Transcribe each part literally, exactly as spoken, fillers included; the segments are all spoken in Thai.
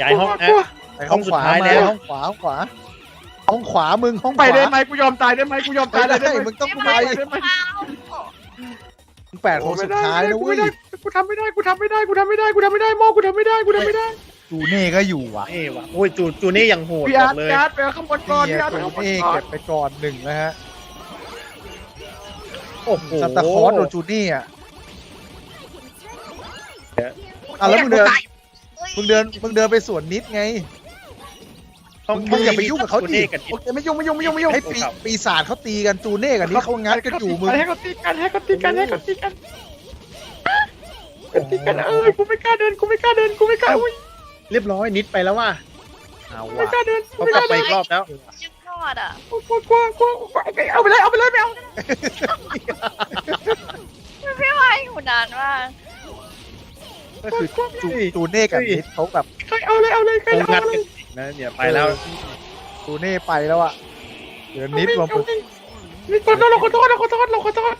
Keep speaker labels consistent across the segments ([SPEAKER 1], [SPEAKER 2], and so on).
[SPEAKER 1] ย้ายห้องนะ
[SPEAKER 2] ไปห้องขวา
[SPEAKER 1] ห้องสุดท้าย
[SPEAKER 2] มา
[SPEAKER 1] แล้ว
[SPEAKER 2] ห้องขวาห้องขวาห้องขวามึงห้องข
[SPEAKER 3] ไป
[SPEAKER 2] วา
[SPEAKER 3] ได้ไหมกูยอมตายได้ไหมกูยอม
[SPEAKER 2] ไป
[SPEAKER 3] ตาย
[SPEAKER 2] ได้
[SPEAKER 3] ได้ไหม
[SPEAKER 2] มึงต้องไป
[SPEAKER 3] ได้ไหม
[SPEAKER 2] มึงแปดคนสุดท้ายนะ
[SPEAKER 3] กู
[SPEAKER 2] เว้
[SPEAKER 3] ไม่
[SPEAKER 2] ย
[SPEAKER 3] ได้กูทำไม่ได้กูทำไม่ได้กูทำไม่ได้กูทำไม่ได้โมกูทำไม่ได้กูทำไม่ได้
[SPEAKER 2] จูเน่ก็อยู่ว่ะ
[SPEAKER 1] เอ้ว่ะโอ้ยจูจูนี่ยังโหด
[SPEAKER 3] พี่
[SPEAKER 1] บ
[SPEAKER 3] อา
[SPEAKER 1] อ
[SPEAKER 3] ร์
[SPEAKER 1] ก
[SPEAKER 3] ต
[SPEAKER 1] เลย
[SPEAKER 3] พี่อาร์ตไปเอาข้างบนก่อน
[SPEAKER 2] นี่
[SPEAKER 3] พี่อาร์ตไป
[SPEAKER 2] จู
[SPEAKER 3] เอาข้างบน
[SPEAKER 2] เน่
[SPEAKER 3] ก่อ
[SPEAKER 2] เก็
[SPEAKER 3] น
[SPEAKER 2] บไปก่อนหนึ่งนะฮะ
[SPEAKER 1] โอ้โห
[SPEAKER 2] ซันตาคลอสโดนจูเน่อะอ่ะแล้วมึงเดินมึงเดินมึงเดินไปสวนนิดไง
[SPEAKER 1] ต้อง
[SPEAKER 2] มึงอย่าไปยุ่งกับเขาดิ
[SPEAKER 1] จูนี่กัน
[SPEAKER 3] โอเคไม่ยุ่งไม่ยุ่งไม่ยุ่งไม่ยุ่ง
[SPEAKER 2] ให้ปีปีศาจเขาตีกันจูเน่กับนี้เขางัดกันอยู่มึง
[SPEAKER 3] ให้เขาตีกันให้เขาตีกันให้เขาตีกันตีกันเออกูไม่กล้าเดินกูไม่กล้าเดินกูไม่กล้าอุ้ย
[SPEAKER 1] เรียบร้อยนิดไปแล้วว่ะ
[SPEAKER 2] เอา
[SPEAKER 3] ไม่
[SPEAKER 2] ว่ะ
[SPEAKER 3] กล้าเดิน
[SPEAKER 1] เขากลับไปอีกรอบแล้ว
[SPEAKER 4] ยังรอดอ่ะ
[SPEAKER 3] กลัวกลัวกลัวกลัวเอาไปเลยเอาไปเลยไม่เอา
[SPEAKER 4] ไม่ไหวอยู่นานมาก
[SPEAKER 2] ก็คือจูจูเน่กับนิดเขาแบบ
[SPEAKER 3] ใครเอาเลยเอาเลยใคร
[SPEAKER 1] คง
[SPEAKER 3] เอา
[SPEAKER 1] งัด
[SPEAKER 3] เล
[SPEAKER 1] กัน
[SPEAKER 3] ย
[SPEAKER 1] อีกนะเนี่ยไปแล้ว
[SPEAKER 2] จูเน่ไปแล้วอะเดี๋ยวนิดมา
[SPEAKER 3] นี่ขอโทษเราขอโทษเราขอโทษเราขอโทษ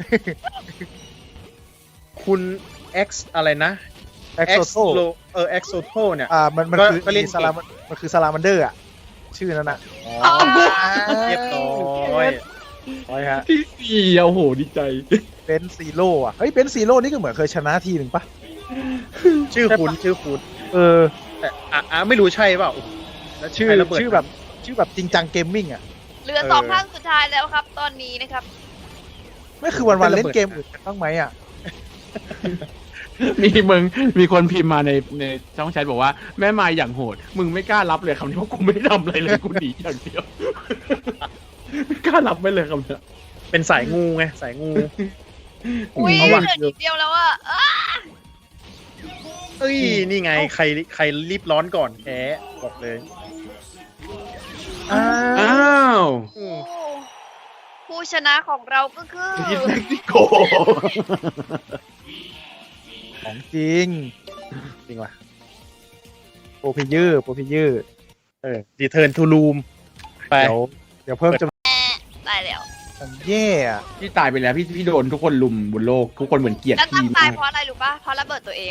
[SPEAKER 1] คุณ X อะไรนะ
[SPEAKER 2] เอ็กโซโต
[SPEAKER 1] Lo- เออ X Soto เนี่ย
[SPEAKER 2] อ่ามันมัน
[SPEAKER 1] ก็
[SPEAKER 2] คือ
[SPEAKER 1] ก็เล่น
[SPEAKER 2] สลามันมันคือสลามันเดอร์อะชื่อนั้นอะ
[SPEAKER 1] อ๋อเรียบร้อย
[SPEAKER 2] ร้อยฮะ
[SPEAKER 3] ที่สี่โอ้โหดีใจ
[SPEAKER 2] เบนซีโร่อะเฮ้ยเบนซีโร่นี่ก็เหมือนเคยชนะทีหนึ่งปะ
[SPEAKER 1] ชื่อคุณชื่อคุณ
[SPEAKER 2] เออ
[SPEAKER 1] แต่อ่ะอ่ะไม่รู้ใช่เปล่าแล้ว
[SPEAKER 2] ชื่อ
[SPEAKER 1] ใครระเบิด
[SPEAKER 2] ชื่อแบบชื่อแบบจริงจังเกมมิ่งอะ
[SPEAKER 4] เหลือสองท่านสุดท้ายแล้วครับ ตอนนี้นะครับ
[SPEAKER 2] ไม่คือวันวันๆเล่นเกมอื่นกันบ้างไหมอะ
[SPEAKER 3] มีมึงมีคนพิมพ์มาในในช่องแชทบอกว่าแม่มายอย่างโหด มึงไม่กล้ารับเลยคำนี้เพราะกูไม่ได้ทำอะไรเลยกูหนีอย่างเดียวไม่กล้ารับไม่เลยคำนี้
[SPEAKER 1] เป็นสายงูไงสายงู
[SPEAKER 4] อุ้ย
[SPEAKER 1] เอา
[SPEAKER 4] เหลื
[SPEAKER 1] ว่ะ
[SPEAKER 4] อนิดเดียวแล้วอ่ะอ้า
[SPEAKER 1] เอ้ยนี่ไงใครใครรีบร้อนก่อนแพ้บอกเลยอ้า
[SPEAKER 3] อ้าว ว
[SPEAKER 1] อืม
[SPEAKER 4] ผู้ชนะของเราก็คือ
[SPEAKER 3] ยิดเม็กซิโก
[SPEAKER 2] ของจริงจริงว่ะโปรพิยือโปรพิยือ
[SPEAKER 1] เออดีเทิร์นทูลูมไป
[SPEAKER 2] เดี๋ยวเดี๋ยวเพิ่มจำนวน
[SPEAKER 4] ตายแล้ว
[SPEAKER 2] แย่อะ
[SPEAKER 3] พี่ตายไปแล้วพี่พี่โดนทุกคนลุมบนโลกทุกคนเหมือนเกลียด
[SPEAKER 4] แล้วตั้
[SPEAKER 3] พี่
[SPEAKER 4] งตาม
[SPEAKER 3] าย ก
[SPEAKER 4] เพราะอะไรรู้ป่ะเพราะระเบิดตัวเอง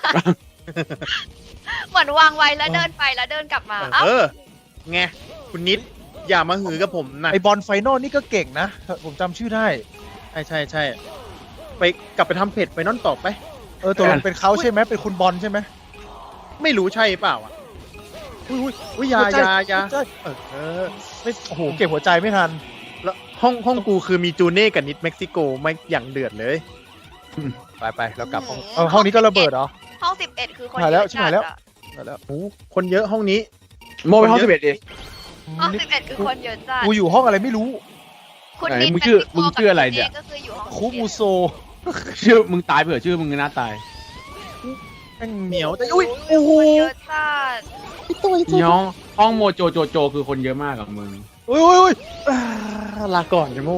[SPEAKER 4] เหมือนวางไว้แล้วเดินไปแล้วเดินกลับมาเอ้า
[SPEAKER 1] เออไงคุณนิดอย่ามาหือกับผมนะ
[SPEAKER 2] ไอบอลไฟนอลนี่ก็เก่งนะ ผมจำชื่อได้
[SPEAKER 1] ใช่ใช่ใช่ไปกลับไปทำเพจไปนอนต่อไป
[SPEAKER 2] เออตัวมันเป็นเขาใช่ไหมเป็นคุณบอลใช่ไหม
[SPEAKER 1] ไม่รู้ใช่เปล่าอ่ะอุ้ยอุ้ยอุ้ยอยาอยาอยา
[SPEAKER 2] ใช่
[SPEAKER 1] เออเออไม่
[SPEAKER 2] โอ้โหเก็บหัวใจไม่ทัน
[SPEAKER 1] แล้วห้องห้องกูคือมีจูเน่กับนิดเม็กซิโกไม่อย่างเดือดเลย
[SPEAKER 2] ไปไปเรากลับห้องเออห้องนี้ก็ระเบิดเหรอ
[SPEAKER 4] ห้องสิบเอ็ดคือคน
[SPEAKER 2] หายแล้ว
[SPEAKER 4] เยอะ
[SPEAKER 2] ชิบหายแล้ว
[SPEAKER 4] จัดอะ
[SPEAKER 2] มาแล้ว
[SPEAKER 1] โอ้คนเยอะห้องนี้
[SPEAKER 3] โมไปห้องสิบเอ็ดดิ
[SPEAKER 4] ห้อง
[SPEAKER 2] นี่
[SPEAKER 4] สิบเอ็ดคือคนเยอะจัด
[SPEAKER 2] กูอยู่ห้องอะไรไม่รู้
[SPEAKER 4] คุณ
[SPEAKER 3] ไหน
[SPEAKER 4] นิด
[SPEAKER 3] มึงชื่อ
[SPEAKER 4] เม็กซิโก
[SPEAKER 3] มึงชื่ออะไรเนี่ย
[SPEAKER 4] กับก็คืออยู่ห้อง
[SPEAKER 2] คุมูโซ
[SPEAKER 3] ชื่อมึงตายเผื่อชื่อมึงน่าตาย
[SPEAKER 2] แม่ง
[SPEAKER 1] เหนียวแต่
[SPEAKER 2] อุ้ยโอ้โห
[SPEAKER 4] คนเยอะจัด
[SPEAKER 3] น้องห้องโมโจโจโจคือคนเยอะมากกับมึง
[SPEAKER 2] อุ้ยอุ้ยอุ้ย
[SPEAKER 1] อ่าลาก่อนจะโม่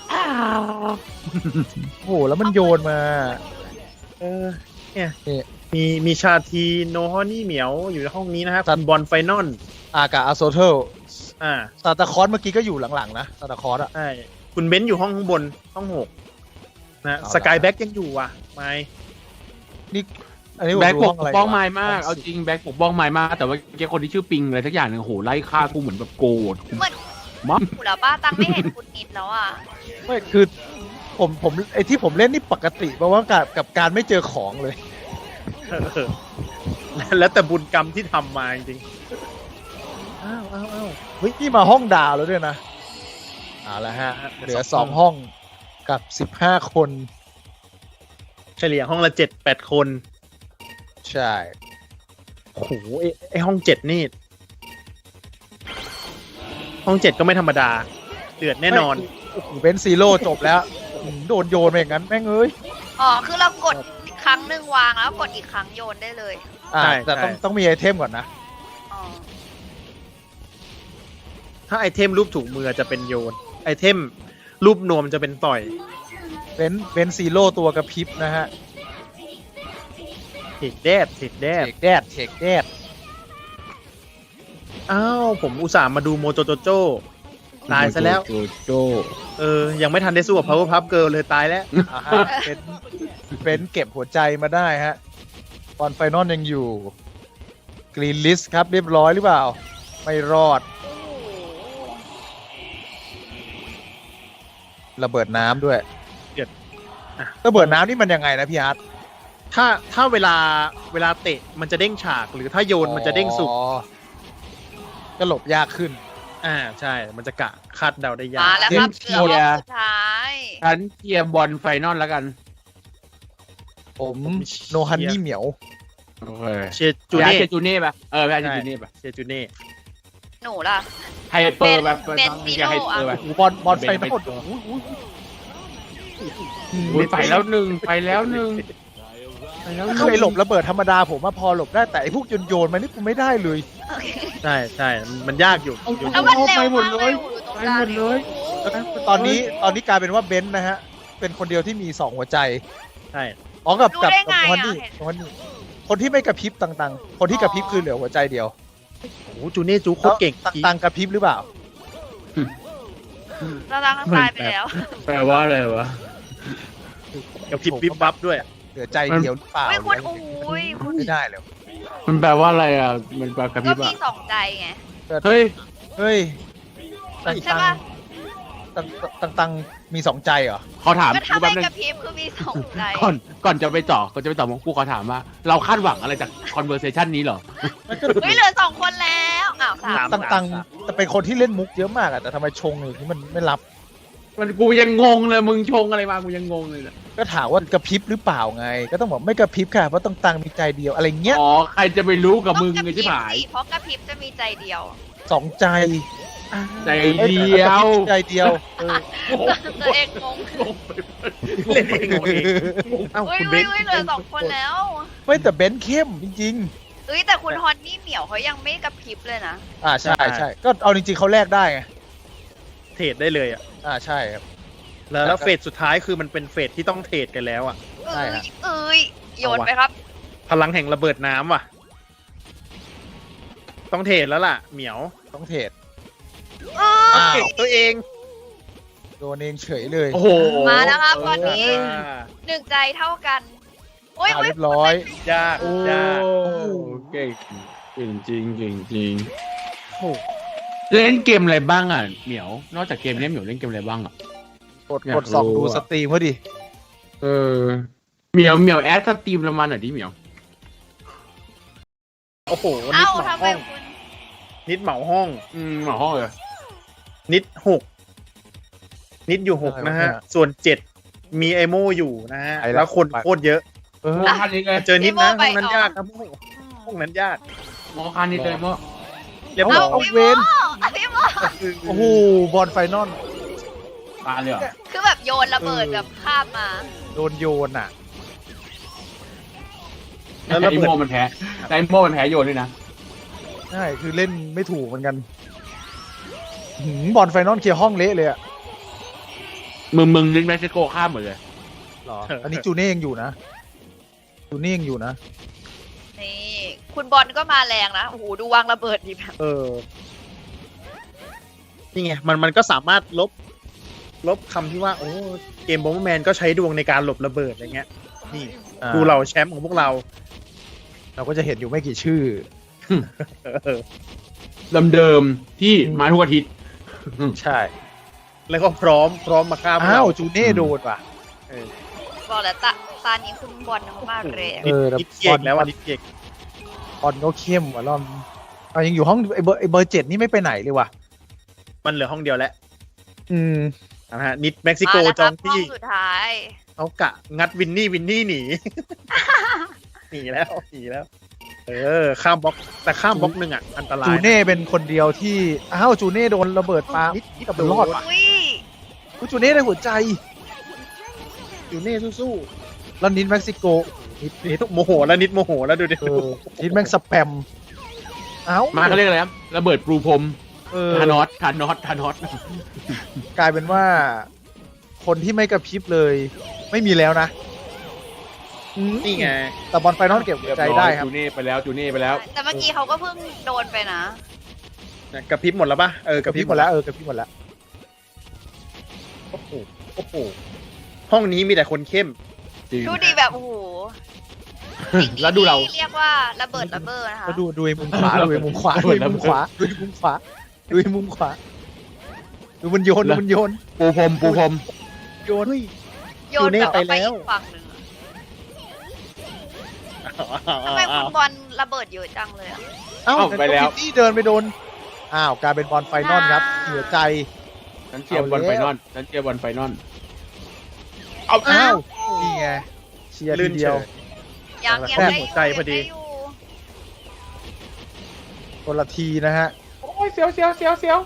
[SPEAKER 2] โอ้โหแล้วมันโยนมา
[SPEAKER 1] เออเนี่ย
[SPEAKER 2] นี่
[SPEAKER 1] มีมีชาทีโนฮอนี่เหมียวอยู่ในห้องนี้นะครับคุณบอลไฟนอล
[SPEAKER 2] อากาอาโซเทล
[SPEAKER 1] อ่า
[SPEAKER 2] ซาตาคอสเมื่อกี้ก็อยู่หลังๆนะซาตาคอสอะ
[SPEAKER 1] ใช่คุณเบนซ์อยู่ห้องข้างบนห้องหกนะ
[SPEAKER 2] เอาละ
[SPEAKER 1] สกายแบ็กยังอยู่ว่ะไม่
[SPEAKER 2] นี่อันนี้ผม
[SPEAKER 3] แบ็ค
[SPEAKER 2] ดู
[SPEAKER 3] ป
[SPEAKER 2] ห้
[SPEAKER 3] ก
[SPEAKER 2] องอะไร
[SPEAKER 3] ป้องไม้
[SPEAKER 2] วะ
[SPEAKER 3] มาก เอาจริงแบ็คปกป้องไม้มาก แต่ว่าแกคนที่ชื่อปิงอะไรสักอย่างหนึงโอ้โหไล่ฆ่ากูเหมือนแบบโกรธ
[SPEAKER 4] เหมือน
[SPEAKER 3] มั้ง
[SPEAKER 4] อยู่แล้วป้าตังไม่เห็นคุณนิดแล้วอ่ะ
[SPEAKER 2] ไม่คือผมผมไอที่ผมเล่นนี่ปกติเพราะว่ากับกับการไม่เจอของเลย
[SPEAKER 1] เออแล้วแต่บุญกรรมที่ทำมาจริงๆอ้าวอ้าวอ้าว
[SPEAKER 2] เฮ้ยนี่มาห้องดาวแล้วด้วยนะเอาละฮะเหลือสองห้องกับสิบห้าคน
[SPEAKER 1] เฉลี่ยห้องละเจ็ดแปดคน
[SPEAKER 2] ใช่
[SPEAKER 1] โอ้โหไอ้ไอห้องเจ็ดนี่ ห้องเจ็ดก็ไม่ธรรมดา เดือดแน่นอน
[SPEAKER 2] โอ้โหเบนซีโร่จบแล้วอืมโดนโยนไปอย่างนั้นแม่งเอ้ย
[SPEAKER 4] อ๋อคือเรากดครั้งหนึ่งวางแล้วกดอีกครั้งโยนได้เลย
[SPEAKER 2] อ่า
[SPEAKER 1] ใช่
[SPEAKER 2] แต่ต้อง
[SPEAKER 1] ใช่
[SPEAKER 2] ต้องมีไอเทมก่อนนะ
[SPEAKER 4] อ๋อ
[SPEAKER 1] ถ้าไอเทมรูปถูกมือจะเป็นโยน ไอเทมรูปนวมจะเป็นต่อย
[SPEAKER 2] เบนเบนซีโร่ตัวกระพริบนะฮะ
[SPEAKER 1] เทคแดดเทคแด
[SPEAKER 2] เท
[SPEAKER 1] ด
[SPEAKER 2] กแดดเทกแดด
[SPEAKER 1] อ้าวผมอุตส่าห์มาดูโมโจโจโจตายซะแล้ว
[SPEAKER 3] โจโจ
[SPEAKER 1] เออ ยังไม่ทันได้สู้กับ Power Puff Girl เลยตายแล้ว
[SPEAKER 2] อ่าฮะเป็นเป็นเก็บหัวใจมาได้ฮะบอลไฟนอลยังอยู่กรีนลิสครับเรียบร้อยหรือเปล่า ไม่รอด
[SPEAKER 4] โอ้โห
[SPEAKER 2] ระเบิดน้ำด้วย
[SPEAKER 1] เดือดอ่ะ
[SPEAKER 2] ระเบิดน้ำนี่มันยังไงนะพี่อาร์ต
[SPEAKER 1] ถ้าถ้าเวลาเวลาเตะมันจะเด้งฉาก หรือถ้าโยนมันจะเด้งสุก
[SPEAKER 2] อ๋อก็หลบยากขึ้น
[SPEAKER 1] อ่าใช่ มันจะกะคาดเดาได้ยาก
[SPEAKER 4] มาแล้วครับ
[SPEAKER 3] เก
[SPEAKER 4] เห
[SPEAKER 3] ม
[SPEAKER 4] ลือ
[SPEAKER 3] เชี
[SPEAKER 4] ห้
[SPEAKER 3] ยร์
[SPEAKER 4] องสุดท้าย
[SPEAKER 3] ฉันเกียร์บอลไฟนอลแล้วกัน
[SPEAKER 2] ผมโนฮันนี่เหมียว
[SPEAKER 3] โอเค
[SPEAKER 1] เชียร์จู
[SPEAKER 3] จูเน่
[SPEAKER 1] เน่
[SPEAKER 3] จูเน่ปะเออไม่ใช่จูเน่ปะ
[SPEAKER 1] เชียร์จูเน่
[SPEAKER 4] หนูล่ะ
[SPEAKER 3] ไฮเปอร์แบบ
[SPEAKER 4] เบนซิโน่
[SPEAKER 3] ไฮเปอร์แบบ
[SPEAKER 2] โอ้บอลบอลไฟนอล
[SPEAKER 3] เบนไปตัว อุ๊ยไปแล้วหนึ่งไปแล้วหนึ่งไปแล้วห
[SPEAKER 2] เค
[SPEAKER 3] นึ่ง
[SPEAKER 2] ยหลบระเบิดธรรมดาผมว่าพอหลบได้แต่ไอ้พวกโยนโยนๆมันนี่กูไม่ได้เลย
[SPEAKER 1] ใช่ใช่มันยากอยู่อยู่
[SPEAKER 4] แล้วมันเร็ว
[SPEAKER 3] ไปหมด
[SPEAKER 4] มาก
[SPEAKER 3] เล
[SPEAKER 4] เลย ยอยู่ตรง
[SPEAKER 3] ไป
[SPEAKER 4] กลาง
[SPEAKER 3] หมดเลย
[SPEAKER 4] โอ้โห
[SPEAKER 2] ตอนนี้ตอนนี้กลายเป็นว่าเบนซ์นะฮะ เป็นคนเดียวที่มีสองหัวใจ
[SPEAKER 1] ใช่
[SPEAKER 2] อ๋อกับ
[SPEAKER 4] รู้
[SPEAKER 2] กับ
[SPEAKER 4] ได้ไง
[SPEAKER 2] กับ
[SPEAKER 4] อ่ะ
[SPEAKER 2] คนนี้
[SPEAKER 4] เห็น
[SPEAKER 2] คนนี้คนที่ไม่กระพริบต่างๆ คนที่กระพริบคือเหลือหัวใจเดียว
[SPEAKER 1] โอ้โหจูเน่จูโคตรเก่ง
[SPEAKER 2] แล้วต่างๆกระพริบหรือเปล่า
[SPEAKER 4] ตารางข้างตายไปแล้ว
[SPEAKER 3] แปลว่าอะไรวะ
[SPEAKER 1] กับพริบวิบวับด้วย
[SPEAKER 2] เหลือใจเดียวหรือเปล่า
[SPEAKER 4] ไม่คุณ
[SPEAKER 2] หรือ
[SPEAKER 4] โอ้ยคุณ
[SPEAKER 2] ไม่ได้เลย
[SPEAKER 3] มันแปลว่าอะไรอ่ะมันแปลกระพ
[SPEAKER 4] ก็
[SPEAKER 3] ริบ
[SPEAKER 4] มี
[SPEAKER 3] อ่ะ
[SPEAKER 4] สองใจไง
[SPEAKER 3] เฮ้ย
[SPEAKER 2] เฮ้ยต่าง
[SPEAKER 4] ใช่
[SPEAKER 2] ๆ
[SPEAKER 4] ปะ
[SPEAKER 2] ต่างๆต่างๆมีสองใจเหรอ
[SPEAKER 3] ขอถาม
[SPEAKER 4] ก็ถ้า
[SPEAKER 3] กูแป๊
[SPEAKER 4] ไม่
[SPEAKER 3] บนึง
[SPEAKER 4] กระพริบคือมีสองใจ
[SPEAKER 3] ก่อนก่อนจะไปต่อก่อนจะไปต่อมงกูขอถามว่า เราคาดหวังอะไรจาก conversation นี้เหรอ
[SPEAKER 4] เฮ้ยเหลือสองคนแล้วอ้าวสาม
[SPEAKER 1] สาม
[SPEAKER 2] ต่างๆแต่เป็นคนที่เล่นมุกเยอะมากอะแต่ทำไมชงอย่างนี้มันไม่รับ
[SPEAKER 3] มันกูยังงงเลยมึงชงอะไรมากูยังงงเลยเนี่ย
[SPEAKER 2] ก็ถามว่ากระพริบหรือเปล่าไง ก็ต้องบอกไม่กระพริบค่ะเพราะต่างๆมีใจเดียวอะไรเงี้ย
[SPEAKER 3] อ๋อใครจะไปรู้กับ
[SPEAKER 4] ต้อง
[SPEAKER 3] มึง
[SPEAKER 4] กระพ
[SPEAKER 3] ไง
[SPEAKER 4] ริบ
[SPEAKER 3] ที่ผาย
[SPEAKER 4] สิเพราะกระพริบจะมีใจเดียว
[SPEAKER 2] สองใจ
[SPEAKER 3] ใจ
[SPEAKER 2] อ้
[SPEAKER 3] เดียว
[SPEAKER 2] กระพริบใจเดียวเออ
[SPEAKER 4] ตัวเองงง
[SPEAKER 1] เล่นเองงงเองเอ้า
[SPEAKER 4] เฮ้ย
[SPEAKER 1] คุณเบ
[SPEAKER 4] เฮ้ย
[SPEAKER 1] น
[SPEAKER 4] เฮ้ยเหลือสองคนแล้ว
[SPEAKER 2] ไม่แต่เบนซ์เข้มจริง
[SPEAKER 4] เฮ้ยแต่คุณฮอนนี่เหมียวเขายังไม่กระพริบเลยนะ
[SPEAKER 2] ๆ อ่าใช่ใช่ก็เอาจริงๆเขาแลกได้ไง
[SPEAKER 1] เทรดได้เลยอ่ะ
[SPEAKER 2] อ่าใช่ครับ
[SPEAKER 1] แล้วแล้วเฟสสุดท้ายคือมันเป็นเฟสที่ต้องเทรดกันแล้วอ่ะ
[SPEAKER 2] ใช่
[SPEAKER 4] เอ้
[SPEAKER 2] ฮะ
[SPEAKER 4] ยเอ้ยโยนไปครับ
[SPEAKER 1] พลังแห่งระเบิดน้ำว่ะ ต้องเทรดแล้วล่ะ เหมียว
[SPEAKER 2] ต้องเทรด
[SPEAKER 4] เอ
[SPEAKER 2] อ้า
[SPEAKER 4] อ
[SPEAKER 2] ว
[SPEAKER 1] ตัวเอง
[SPEAKER 2] โดนเองเฉยเลย
[SPEAKER 3] โอ้โห
[SPEAKER 4] มาแล้วครับตอนนี้
[SPEAKER 1] อ่า
[SPEAKER 4] หนึ่งใจเท่ากัน โอ้ย
[SPEAKER 2] อ่า
[SPEAKER 4] โอ้ย
[SPEAKER 2] เรียบร้อย
[SPEAKER 1] ยาก
[SPEAKER 3] โอ้
[SPEAKER 1] ยาก
[SPEAKER 3] เก่งเก่งจริงเก่งจริง
[SPEAKER 2] โอ้
[SPEAKER 3] เล่นเกมอะไรบ้างอ่ะเหมียว นอกจากเกมนี้เหมียวเล่นเกมอะไรบ้างอ่ะ
[SPEAKER 2] กด
[SPEAKER 3] อยาก
[SPEAKER 2] กดส่อง
[SPEAKER 3] รู้
[SPEAKER 2] ดู
[SPEAKER 3] อะ
[SPEAKER 2] สตรีมเขาดิ
[SPEAKER 3] เออเหมียวเหมียวแอดสตรีมละมันหน่อยดิเหมียว
[SPEAKER 1] โอ้โห นิ
[SPEAKER 4] เอ้า
[SPEAKER 1] ดเหมา
[SPEAKER 4] ทำไม
[SPEAKER 1] ห้อง
[SPEAKER 4] คุณ
[SPEAKER 1] นิดเหมาห้อง
[SPEAKER 3] อืมหมอห้องเลย
[SPEAKER 1] นิดหก นิดอยู่หกนะฮะ ส่วนเจ็ดมีไอโมอยู่นะฮะ
[SPEAKER 2] ไอ้ละ
[SPEAKER 1] แล้วคนโคตรเยอะ
[SPEAKER 2] เออ
[SPEAKER 3] หมอคันนี้เลย
[SPEAKER 1] เจอนิดนะ
[SPEAKER 4] ไอ้
[SPEAKER 1] ห้อง
[SPEAKER 4] โม่
[SPEAKER 1] นั้น
[SPEAKER 4] ไป
[SPEAKER 1] ยาก
[SPEAKER 4] ออก
[SPEAKER 1] ครับห้องห้องนั้นยาก
[SPEAKER 3] หมอคันนี้เลยหมอ
[SPEAKER 1] เรียบ
[SPEAKER 2] เอา
[SPEAKER 1] ร้อย
[SPEAKER 2] เอา
[SPEAKER 4] พี่
[SPEAKER 2] เว
[SPEAKER 4] โม
[SPEAKER 2] น
[SPEAKER 4] อ่ะพี่โม
[SPEAKER 2] โอ้โหบอลไฟนอล
[SPEAKER 3] ตาเลยเหรอ
[SPEAKER 4] คือแบบโยนระเบิดแบบข้ามมา
[SPEAKER 2] โดนโยนอ่ะ
[SPEAKER 1] แล้วระ
[SPEAKER 3] ไอ
[SPEAKER 1] เบิด
[SPEAKER 3] โมมันแพ้แต่ไอโมมันแพ้โยนด้วยนะ
[SPEAKER 2] ใช่คือเล่นไม่ถูกเหมือนกันหืมบอลไฟนอลเคลียร์ห้องเละเลยอะ
[SPEAKER 3] มึงมึงนึกเม็กซิโกข้ามหมดเลย
[SPEAKER 2] หรอ อันนี้จูเน่ยังอยู่นะ จูเน่ยังอยู่นะ
[SPEAKER 4] นี่คุณบอลก็มาแรงนะโอ้โหดูวางระเบิดดีแบบ
[SPEAKER 1] เออ นี่ไง มันมันก็สามารถลบ ลบคำที่ว่า โอ้ เกมบอมแมนก็ใช้ดวงในการหลบระเบิดอะไรเงี้ย นี่
[SPEAKER 2] อ่า
[SPEAKER 1] ดูเราแชมป์ของพวกเรา
[SPEAKER 2] เราก็จะเห็นอยู่ไม่กี่ชื่อ
[SPEAKER 1] เออ
[SPEAKER 3] เดิมเดิมๆที่มาทุกอาทิตย์
[SPEAKER 2] ใช่
[SPEAKER 1] แล้วก็พร้อมพร้อมมาฆ่าพวก
[SPEAKER 2] อ้าว
[SPEAKER 1] เรา
[SPEAKER 2] จูเน่โดนว่ะ
[SPEAKER 4] บอกแล้วตาตานี้คุณบอลมากเลย
[SPEAKER 2] เออแต่
[SPEAKER 1] นิดเก่งแล้ว
[SPEAKER 2] บอ
[SPEAKER 1] อ่ะ
[SPEAKER 2] ล
[SPEAKER 1] นิดเก่ง
[SPEAKER 2] บอลก็เข้มว่ะรอบนี้เอายังอยู่ห้องไอเบอร์ไอเบอร์เจ็ดนี่ไม่ไปไหนเลยว่ะ
[SPEAKER 1] มันเหลือห้องเดียวแล้ว
[SPEAKER 2] อืม
[SPEAKER 1] นะฮะ นิดเม็กซิโก
[SPEAKER 4] มาแล้ว
[SPEAKER 1] จ
[SPEAKER 4] ค
[SPEAKER 1] อ
[SPEAKER 4] รั
[SPEAKER 1] ง
[SPEAKER 4] บห้อ
[SPEAKER 1] ที่
[SPEAKER 4] งสุดท้าย
[SPEAKER 1] เขากะงัดวินนี่วินนี่หนี หนีแล้วหนีแล้ว เออ ข้ามบล็อก แต่ข้ามบล็อกหนึ่งอ่ะ อันตราย
[SPEAKER 2] จูเน่เป็นคนเดียวที่ อ้าวจูเน่โดนระเบิดปา
[SPEAKER 1] นิดนิด
[SPEAKER 2] แต่มันรอดว่ะ
[SPEAKER 4] อุ้ย
[SPEAKER 2] อุ๊ยจูเน่ได้หัวใจ
[SPEAKER 1] จูเน่สู้
[SPEAKER 2] แล้วนิดเม็กซิโกนิด
[SPEAKER 1] ๆนิดโมโหแล้วนิดโมโหแล้วดูดิ
[SPEAKER 2] เออนิดแม่งสแปม เอ้า
[SPEAKER 3] มาเขาเรียกอะไรครับระเบิดปรูพรม
[SPEAKER 2] เออ
[SPEAKER 3] ทานอสทานอสทานอส
[SPEAKER 2] กลายเป็นว่า คนที่ไม่กระพริบเลย ไม่มีแล้วนะอืม
[SPEAKER 1] นี่ไง
[SPEAKER 2] แต่บอลไฟนอลเก็บหัวใจได้ครับ
[SPEAKER 3] จูเน่ไปแล้วจูเน่ไปแล้ว
[SPEAKER 4] แต่เมื่อกี้เขาก็เพิ่งโดนไปนะ
[SPEAKER 1] กระพริบหมดแล้วปะเออก ก
[SPEAKER 2] ระ
[SPEAKER 1] ระ
[SPEAKER 2] พ
[SPEAKER 1] พ
[SPEAKER 2] ริ
[SPEAKER 1] ริ
[SPEAKER 2] บบ หมดแล้วเออกระพริบหมดแล้ว
[SPEAKER 1] โอ้โหโอ้โหห้องนี้มีแต่คนเข้ม
[SPEAKER 3] จริง
[SPEAKER 4] ดูดีแบบโอ้โหสิ่งนี้
[SPEAKER 3] แล้วดูเรา
[SPEAKER 4] เรียกว่าระเบิดระเบ้อนะคะ
[SPEAKER 2] ก็ดูดูไอ้มุมขวาดูไอ้มุมขวาดูไอ้มุมขวาดูไอ้มุมขวาดูไอ้มุมขวาดูมันโยนดูมันโยน
[SPEAKER 3] ปูพรมปูพรม
[SPEAKER 2] โยน
[SPEAKER 4] โยนแบบว่าไปอีกฝั่งหนึ่งอะทำไมคุณบอลระเบิดเยอะจังเลยอะ
[SPEAKER 2] เอ้า
[SPEAKER 3] เอ้าไปแล้ว
[SPEAKER 2] ที่เดินไปโดนอ้าวกลายเป็นบอลไฟนอลครับ
[SPEAKER 4] อ่า
[SPEAKER 2] เสียใจ
[SPEAKER 3] ฉันเชียร์บอลไฟนอลฉันเชียร์บอลไฟนอล
[SPEAKER 2] เอาอ้าวนี่ไงเชียร์
[SPEAKER 1] ลื่
[SPEAKER 2] ที
[SPEAKER 1] น
[SPEAKER 2] เดียว
[SPEAKER 1] เฉย
[SPEAKER 4] ยังยัง
[SPEAKER 1] แค่
[SPEAKER 4] ได้
[SPEAKER 1] หั
[SPEAKER 4] อ
[SPEAKER 1] ว
[SPEAKER 4] ยู่
[SPEAKER 1] ใจพอดี
[SPEAKER 4] ยังได้อยู่
[SPEAKER 2] คนละทีนะฮะ
[SPEAKER 3] โอ้ยเสียวเสียวเสียวเสียว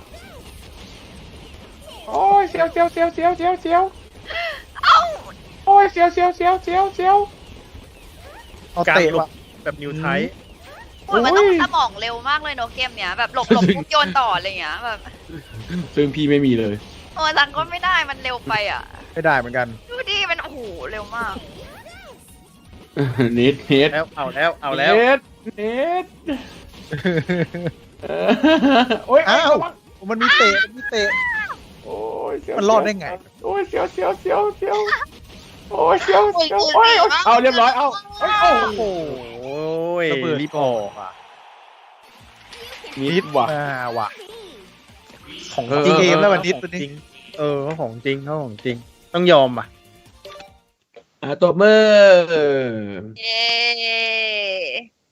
[SPEAKER 3] โอ้ยเสียวเสียวเสียวเสียวเสียวเสียว
[SPEAKER 4] เอ้า
[SPEAKER 3] โอ้ยเสียวเสียวเสียวเสียวเสียว
[SPEAKER 2] เอา
[SPEAKER 1] การ
[SPEAKER 2] เตะ
[SPEAKER 1] หล
[SPEAKER 2] ว่ะ
[SPEAKER 1] บแบบนิวไทป์
[SPEAKER 4] โอ้ยมันต้อง
[SPEAKER 3] โอ้ย
[SPEAKER 4] สมองเร็วมากเลยเนอะเกมเนี้ยแบบหลบหลบปุ๊บโยนต่ออะไรอย่างเงี้ยแบบ
[SPEAKER 3] ซึ่งพี่ไม่มีเลย
[SPEAKER 4] โอ้ยรันก็ไม่ได้มันเร็วไปอ่ะ
[SPEAKER 2] ไม่ได้เหมือนกัน
[SPEAKER 4] ดูดิมันโอ้โหเร็วมาก
[SPEAKER 3] เน็ตเน็ต
[SPEAKER 1] แล้วเอาแล้วเอาแล้ว
[SPEAKER 3] เน็ตเน็ตเออโอ้ย
[SPEAKER 2] อ้าว
[SPEAKER 3] ระวัง
[SPEAKER 2] มันมีเตะมันมีเตะ
[SPEAKER 3] โอ้ยเสียว
[SPEAKER 2] มันรอดได้ไง
[SPEAKER 3] โอ้ยเสียวเสียวเสียวเสียวโอ้ยเสียวเสียวโอ้ยเอาเรียบร้อยเอาเอ้ยโอ้
[SPEAKER 1] โอ้โห
[SPEAKER 2] ระเบิด
[SPEAKER 1] รีบออกอ่ะ
[SPEAKER 3] นิดว่ะ
[SPEAKER 2] อ่าว่ะของ
[SPEAKER 3] เออ
[SPEAKER 2] จริงเกมแล้ววันนี้
[SPEAKER 1] ข
[SPEAKER 2] ตัว
[SPEAKER 1] อง
[SPEAKER 2] นี้
[SPEAKER 1] จริงเออเขาของจริงเขาของจริง ต้องยอมอ่ะ
[SPEAKER 3] อ่ะตัวมือ
[SPEAKER 4] เย้